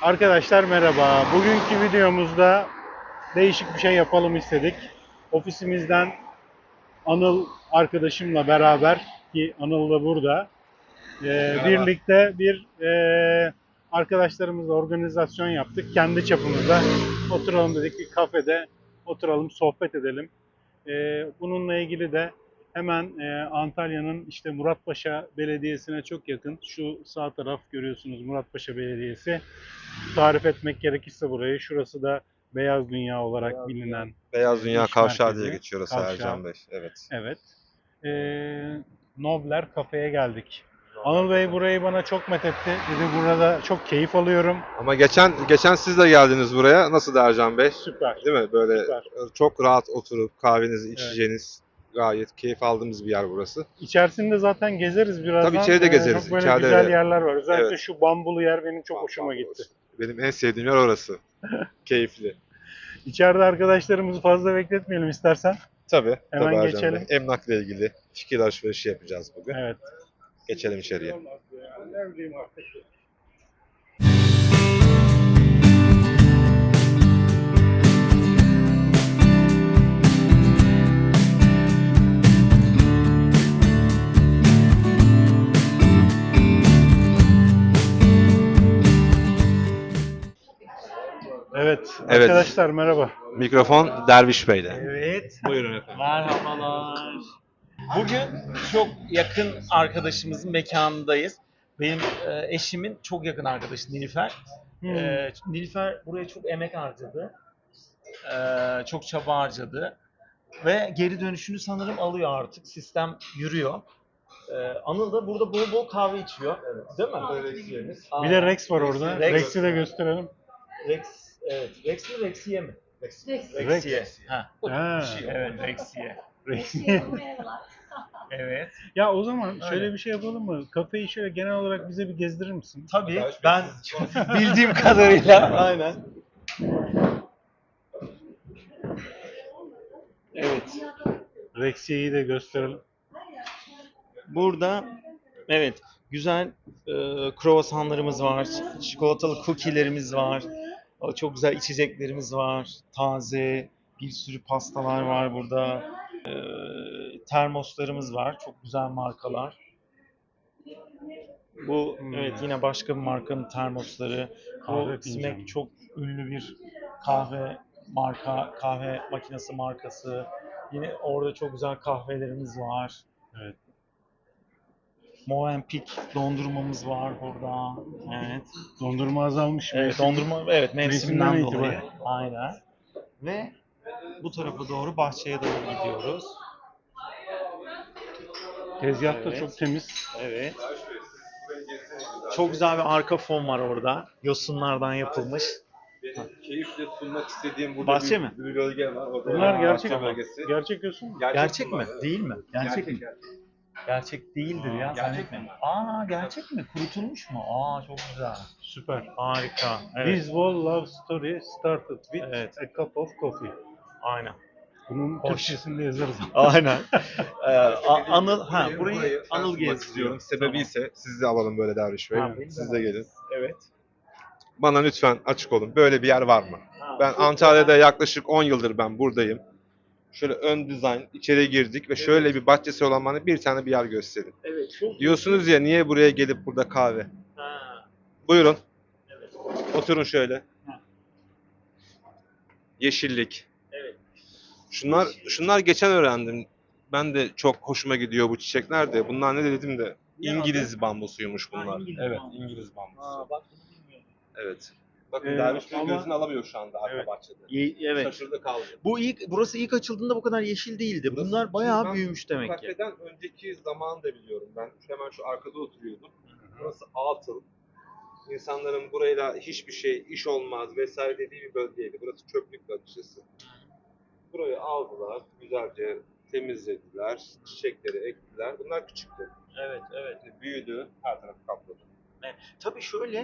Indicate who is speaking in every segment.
Speaker 1: Arkadaşlar merhaba. Bugünkü videomuzda değişik bir şey yapalım istedik. Ofisimizden Anıl arkadaşımla beraber, ki Anıl da burada,
Speaker 2: Merhaba.
Speaker 1: birlikte bir arkadaşlarımızla organizasyon yaptık. Kendi çapımızda oturalım dedik, bir kafede oturalım, sohbet edelim. Bununla ilgili de hemen Antalya'nın işte Muratpaşa Belediyesi'ne çok yakın. Şu sağ taraf görüyorsunuz, Muratpaşa Belediyesi. Tarif etmek gerekirse burayı, şurası da Beyaz Dünya olarak bilinen
Speaker 2: Beyaz Dünya
Speaker 1: iş
Speaker 2: Kavşağı diye
Speaker 1: merkezi.
Speaker 2: geçiyor orası
Speaker 1: Kavşağı.
Speaker 2: Ercan Bey. Evet.
Speaker 1: Evet. Nobler Kafe'ye geldik. Anıl Bey burayı bana çok methetti. Dedi burada çok keyif alıyorum.
Speaker 2: Ama geçen siz de geldiniz buraya. Nasıl da Ercan Bey?
Speaker 1: Süper.
Speaker 2: Değil mi? Böyle
Speaker 1: Süper.
Speaker 2: çok rahat oturup kahvenizi
Speaker 1: Evet.
Speaker 2: içeceğiniz gayet keyif aldığımız bir yer burası.
Speaker 1: İçerisinde zaten gezeriz birazdan.
Speaker 2: Tabii içeri de gezeriz.
Speaker 1: Çok böyle
Speaker 2: İçeride
Speaker 1: güzel
Speaker 2: de.
Speaker 1: yerler var. Özellikle
Speaker 2: Evet.
Speaker 1: şu bambulu yer benim çok hoşuma gitti.
Speaker 2: Benim en sevdiğim yer orası. Keyifli.
Speaker 1: İçeride arkadaşlarımızı fazla bekletmeyelim istersen.
Speaker 2: Tabii.
Speaker 1: Hemen
Speaker 2: Tabii Ercan
Speaker 1: geçelim.
Speaker 2: Bey. Emlakla ilgili fikir alışverişi yapacağız bugün.
Speaker 1: Evet.
Speaker 2: Geçelim içeriye.
Speaker 1: Evet.
Speaker 2: Evet.
Speaker 1: Arkadaşlar merhaba.
Speaker 2: Mikrofon Derviş Bey'de.
Speaker 3: Evet,
Speaker 2: Buyurun efendim.
Speaker 3: merhabalar. Bugün çok yakın arkadaşımızın mekanındayız. Benim eşimin çok yakın arkadaşı Nilüfer. Nilüfer buraya çok emek harcadı. Çok çaba harcadı. Ve geri dönüşünü sanırım alıyor artık. Sistem yürüyor. Anıl da burada bol bol kahve içiyor. Değil mi?
Speaker 1: Bir de Rex var orada.
Speaker 3: Rex.
Speaker 1: Rex'i de gösterelim.
Speaker 3: Rex, evet. Rex mi Rexiye mi?
Speaker 1: Rex.
Speaker 3: Rexiye. Ha.
Speaker 1: Ha.
Speaker 3: Evet, Rexiye.
Speaker 1: Rex.
Speaker 3: Evet.
Speaker 1: Ya o zaman
Speaker 3: Öyle.
Speaker 1: şöyle bir şey yapalım mı? Kafeyi şöyle genel olarak bize bir gezdirir misin?
Speaker 3: Tabii ben bildiğim kadarıyla aynen. Evet.
Speaker 1: Rexiye'yi de gösterelim.
Speaker 3: Burada evet güzel kruvasanlarımız var, çikolatalı cookie'lerimiz var, çok güzel içeceklerimiz var, taze bir sürü pastalar var burada, termoslarımız var, çok güzel markalar. Bu evet yine başka bir markanın termosları.
Speaker 1: Kahve
Speaker 3: Bu
Speaker 1: fincanı.
Speaker 3: Smack çok ünlü bir kahve kahve makinesi markası. Yine orada çok güzel kahvelerimiz var.
Speaker 1: Evet.
Speaker 3: Movenpick dondurmamız var burada. Evet.
Speaker 1: Dondurma azalmış.
Speaker 3: Evet,
Speaker 1: mevsim.
Speaker 3: dondurma evet
Speaker 1: Mevsimden
Speaker 3: mevsimden dolayı.
Speaker 1: itibaren.
Speaker 3: Aynen. Ve bu tarafa doğru bahçeye doğru gidiyoruz.
Speaker 1: Tezgah da
Speaker 3: Evet.
Speaker 1: çok temiz.
Speaker 3: Evet. Çok güzel bir arka fon var orada. Yosunlardan yapılmış.
Speaker 2: Benim keyifle sunmak istediğim burada
Speaker 3: Bahçe mi?
Speaker 2: bir bölge var. Orada
Speaker 1: Bunlar gerçek
Speaker 2: bahçe
Speaker 1: mi?
Speaker 2: bölgesi.
Speaker 1: Gerçek yosun mu?
Speaker 3: Gerçek mi?
Speaker 2: bunlar.
Speaker 3: Değil mi? Gerçek mi?
Speaker 2: Gerçek.
Speaker 3: Gerçek değildir ya.
Speaker 2: Gerçek
Speaker 3: Zannetmiyorum. Aa gerçek mi? Kurutulmuş mu? Aa çok güzel.
Speaker 1: Süper.
Speaker 3: Harika. Evet.
Speaker 1: This whole love story started with
Speaker 3: Evet.
Speaker 1: a cup of coffee.
Speaker 3: Aynen.
Speaker 1: Bunun
Speaker 3: Hoş.
Speaker 1: Türkçesini yazarız.
Speaker 3: Aynen. Anıl burayı Anıl
Speaker 2: tanıtmak
Speaker 3: gezdiriyor.
Speaker 2: istiyorum. Sebebi ise sizi de alalım böyle Derviş Bey.
Speaker 3: Ha,
Speaker 2: Siz de gelin.
Speaker 3: Evet.
Speaker 2: Bana lütfen açık olun. Böyle bir yer var mı?
Speaker 3: Ha,
Speaker 2: Ben Antalya'da yaklaşık 10 yıldır ben buradayım. Şöyle ön dizayn, içeri girdik ve şöyle bir bahçesi olan bana bir tane bir yer gösterin.
Speaker 3: Evet. Çok
Speaker 2: Diyorsunuz ya niye buraya gelip burada kahve?
Speaker 3: Ha,
Speaker 2: Buyurun.
Speaker 3: evet.
Speaker 2: Oturun şöyle.
Speaker 3: Ha.
Speaker 2: Yeşillik.
Speaker 3: Evet.
Speaker 2: Şunlar geçen öğrendim. Ben de çok hoşuma gidiyor bu çiçekler de. Bunlar ne dedim de
Speaker 3: Ne
Speaker 2: İngiliz bambusuymuş bunlar.
Speaker 3: Ha, İngiliz
Speaker 2: evet,
Speaker 3: bambusu.
Speaker 2: İngiliz bambusu.
Speaker 3: Aa, bak bunu bilmiyordum.
Speaker 2: Evet. Bakın
Speaker 1: Ee,
Speaker 2: Derviş Bey
Speaker 1: ama-
Speaker 2: gözünü alamıyor şu anda arka
Speaker 1: Evet.
Speaker 2: bahçede.
Speaker 3: Evet.
Speaker 2: Şaşırdı kaldı.
Speaker 3: Burası ilk açıldığında bu kadar yeşil değildi.
Speaker 2: Burası-
Speaker 3: Bunlar bayağı
Speaker 2: ben
Speaker 3: büyümüş demek ki.
Speaker 2: Kafeden önceki zamanı da biliyorum. Ben hemen şu arkada oturuyordum. Burası atıl. İnsanların burayla hiçbir şey, iş olmaz vesaire dediği bir bölgeydi. Burası çöplük açıkçası. Burayı aldılar, güzelce temizlediler, çiçekleri ektiler. Bunlar küçüktü.
Speaker 3: Evet, evet.
Speaker 2: Şimdi büyüdü, her tarafı kapladı.
Speaker 3: Tabii şöyle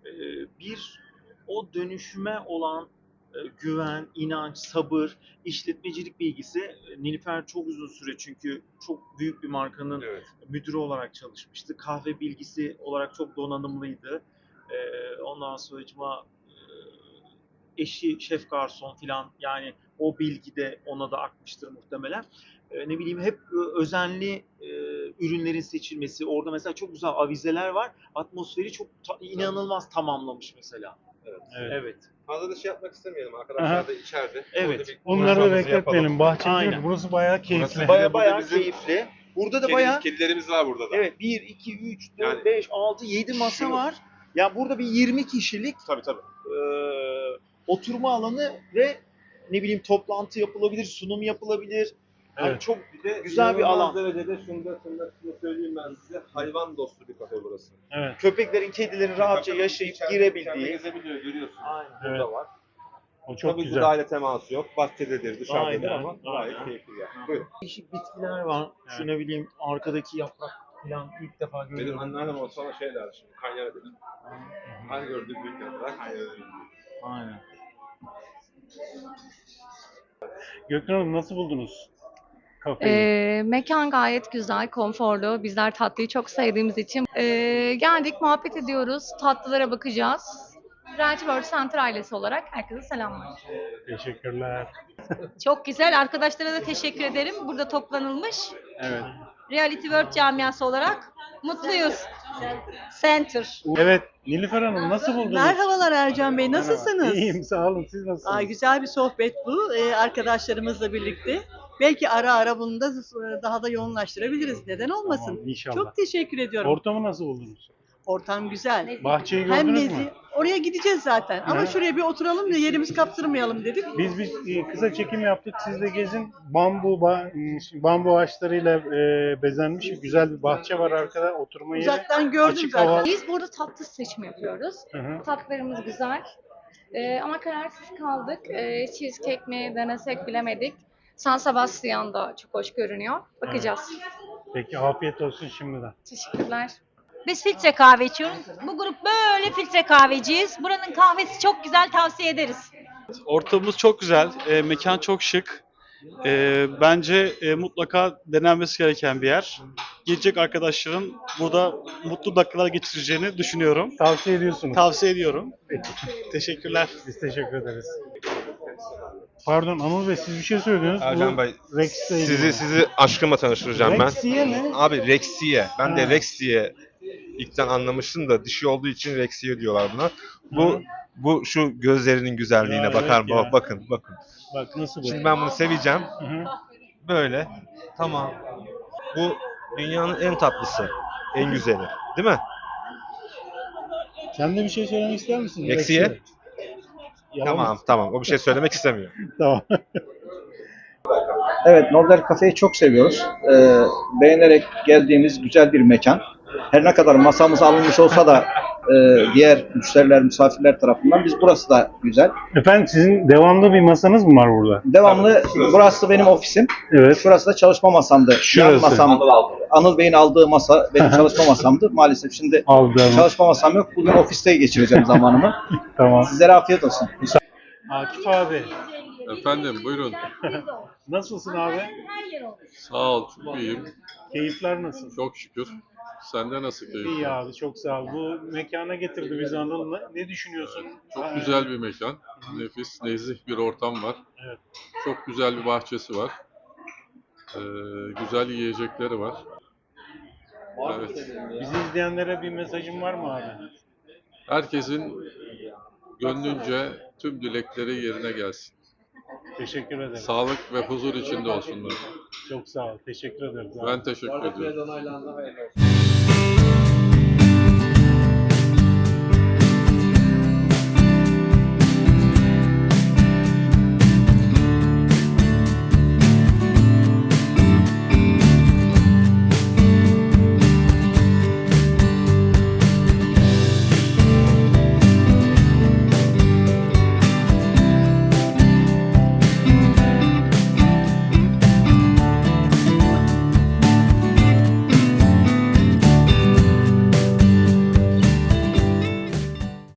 Speaker 3: o dönüşüme olan güven, inanç, sabır, işletmecilik bilgisi Nilüfer çok uzun süre çünkü çok büyük bir markanın
Speaker 2: Evet.
Speaker 3: müdürü olarak çalışmıştı. Kahve bilgisi olarak çok donanımlıydı. Ondan sonracıma eşi şef garson filan, yani o bilgi de ona da akmıştır muhtemelen. Ne bileyim, hep özenli ürünlerin seçilmesi. Orada mesela çok güzel avizeler var. Atmosferi çok inanılmaz tamamlamış mesela.
Speaker 2: Evet.
Speaker 3: Evet.
Speaker 2: Fazla da şey yapmak istemeyelim. Arkadaşlar da içeride.
Speaker 3: Evet.
Speaker 2: Orada bir
Speaker 1: Onları da
Speaker 2: konuşmamızı
Speaker 1: bekletmeyelim.
Speaker 2: yapalım.
Speaker 1: Bahçe
Speaker 3: Aynen.
Speaker 1: değil, burası bayağı keyifli.
Speaker 2: Burası
Speaker 3: Bayağı
Speaker 2: Burada bizim
Speaker 3: keyifli. Burada da bayağı
Speaker 2: Kedilerimiz var burada da.
Speaker 3: evet, 1, 2, 3, 4,
Speaker 2: Yani
Speaker 3: 5, 6, 7 masa
Speaker 2: şunu-
Speaker 3: var. Ya burada bir 20 kişilik
Speaker 2: Tabii tabii.
Speaker 3: oturma alanı ve ne bileyim toplantı yapılabilir, sunum yapılabilir. Hani
Speaker 1: Evet.
Speaker 3: çok
Speaker 2: Bir de
Speaker 3: güzel bir
Speaker 2: inanılmaz
Speaker 3: alan.
Speaker 2: derecede şunu söyleyeyim ben size. Hayvan dostu bir kafe burası.
Speaker 1: Evet.
Speaker 3: Köpeklerin, kedilerin rahatça yaşayıp girebildiği.
Speaker 2: gezebiliyor, görüyorsun.
Speaker 3: Aynen.
Speaker 1: Evet.
Speaker 2: Burada var.
Speaker 1: O çok
Speaker 2: Tabii
Speaker 1: güzel.
Speaker 2: müdahale teması yok. Bahçededir, dışarıdadır
Speaker 3: Aynen,
Speaker 2: ama gayet
Speaker 3: aynen.
Speaker 2: keyifli yani. Buyurun.
Speaker 3: Değişik bitkiler var.
Speaker 1: Evet.
Speaker 3: Şu ne bileyim arkadaki yaprak falan ilk defa
Speaker 2: Benim
Speaker 3: görüyorum.
Speaker 2: anneannem olsa ona şey der şimdi. Kanyara dedi. Her gördüğü büyük yaprak kanyara dedi.
Speaker 3: Aynen.
Speaker 1: Gökhan Hanım, nasıl buldunuz kafeyi?
Speaker 4: Mekan gayet güzel, konforlu. Bizler tatlıyı çok sevdiğimiz için geldik, muhabbet ediyoruz. Tatlılara bakacağız. Ranch World Center ailesi olarak herkese selamlar.
Speaker 1: Teşekkürler.
Speaker 5: Çok güzel. Arkadaşlara da teşekkür ederim. Burada toplanılmış.
Speaker 1: Evet.
Speaker 5: Reality World camiası olarak mutluyuz. Center.
Speaker 1: Evet, Nilüfer Hanım nasıl buldunuz?
Speaker 6: Merhabalar Ercan Bey, nasılsınız?
Speaker 1: İyiyim, sağ olun. Siz nasılsınız?
Speaker 6: Güzel bir sohbet bu, arkadaşlarımızla birlikte. Belki ara ara bunu da daha da yoğunlaştırabiliriz. Neden olmasın?
Speaker 1: Tamam, inşallah.
Speaker 6: Çok teşekkür ediyorum.
Speaker 1: Ortamı nasıl buldunuz?
Speaker 6: Ortam güzel.
Speaker 1: Bahçeyi
Speaker 6: Hem
Speaker 1: gördünüz mü?
Speaker 6: nezih. Oraya gideceğiz zaten. Ama
Speaker 1: Hı.
Speaker 6: şuraya bir oturalım da yerimizi kaptırmayalım dedik.
Speaker 1: Biz kısa çekim yaptık. Siz de gezin. Bambu ağaçlarıyla bezenmiş güzel bir bahçe var arkada. Oturma yeri.
Speaker 6: Uzaktan gördüm
Speaker 1: Açık
Speaker 6: zaten.
Speaker 1: hava.
Speaker 4: Biz burada tatlı seçimi yapıyoruz.
Speaker 1: Hı hı.
Speaker 4: Tatlılarımız güzel. Ama kararsız kaldık. Cheesecake mi denesek bilemedik. San Sebastian da çok hoş görünüyor. Bakacağız.
Speaker 1: Peki, afiyet olsun şimdiden.
Speaker 4: Teşekkürler.
Speaker 5: Biz filtre kahve içiyoruz. Bu grup böyle filtre kahveciyiz. Buranın kahvesi çok güzel, tavsiye ederiz.
Speaker 7: Ortamımız çok güzel, mekan çok şık. Bence mutlaka denenmesi gereken bir yer. Gelecek arkadaşların burada mutlu dakikalar geçireceğini düşünüyorum.
Speaker 1: Tavsiye ediyorsunuz.
Speaker 7: Tavsiye ediyorum. Teşekkürler.
Speaker 1: Biz teşekkür ederiz. Pardon Anıl Bey, siz bir şey söylediniz.
Speaker 2: Ercan
Speaker 1: Bu
Speaker 2: Bey,
Speaker 1: Rex'le ilgili.
Speaker 2: sizi aşkımla tanıştıracağım ben.
Speaker 1: Rexiye mi?
Speaker 2: Abi Rexiye. Ben de
Speaker 1: Ha.
Speaker 2: Rexiye ilkten anlamıştım da dişi olduğu için Rexiye diyorlar buna. Bu şu gözlerinin güzelliğine
Speaker 1: Ya,
Speaker 2: bakar
Speaker 1: evet ya.
Speaker 2: bakın.
Speaker 1: Bak nasıl bu?
Speaker 2: Şimdi ben bunu seveceğim.
Speaker 1: Hı hı.
Speaker 2: Böyle. Tamam. Bu dünyanın en tatlısı. En güzeli. Değil mi?
Speaker 1: Sen de bir şey söylemek ister misin?
Speaker 2: Rexiye?
Speaker 1: Yalan.
Speaker 2: Tamam. O bir şey söylemek istemiyor.
Speaker 1: Tamam.
Speaker 8: Evet, Nordel Cafe'yi çok seviyoruz. Beğenerek geldiğimiz güzel bir mekan. Her ne kadar masamız alınmış olsa da diğer müşteriler, misafirler tarafından burası da güzel.
Speaker 1: Efendim, sizin devamlı bir masanız mı var burada?
Speaker 8: Devamlı, burası benim ofisim.
Speaker 1: Evet.
Speaker 8: Şurası da çalışma masamdı. Yan
Speaker 1: Şurası.
Speaker 8: masam, Anıl Bey'in aldığı masa benim çalışma masamdı. Maalesef şimdi
Speaker 1: Aldım.
Speaker 8: çalışma masam yok. Bugün ofiste geçireceğim zamanımı.
Speaker 1: Tamam.
Speaker 8: Sizlere afiyet olsun.
Speaker 1: Akif abi,
Speaker 9: Efendim buyurun.
Speaker 1: nasılsın abi?
Speaker 9: Sağ ol, çok iyiyim.
Speaker 1: Keyifler nasıl?
Speaker 9: Çok şükür. Sende nasıl keyif?
Speaker 1: İyi abi, çok sağ ol. Bu mekana getirdi bizi Anıl. Ne düşünüyorsun?
Speaker 9: Çok güzel bir mekan. Nefis, nezih bir ortam var.
Speaker 1: Evet.
Speaker 9: Çok güzel bir bahçesi var. Güzel yiyecekleri var. Evet.
Speaker 1: Bizi izleyenlere bir mesajın var mı abi?
Speaker 9: Herkesin gönlünce tüm dilekleri yerine gelsin.
Speaker 1: Teşekkür ederim.
Speaker 9: Sağlık ve huzur içinde olsunlar.
Speaker 1: Çok sağ ol. Teşekkür ederiz abi.
Speaker 9: Ben teşekkür ediyorum.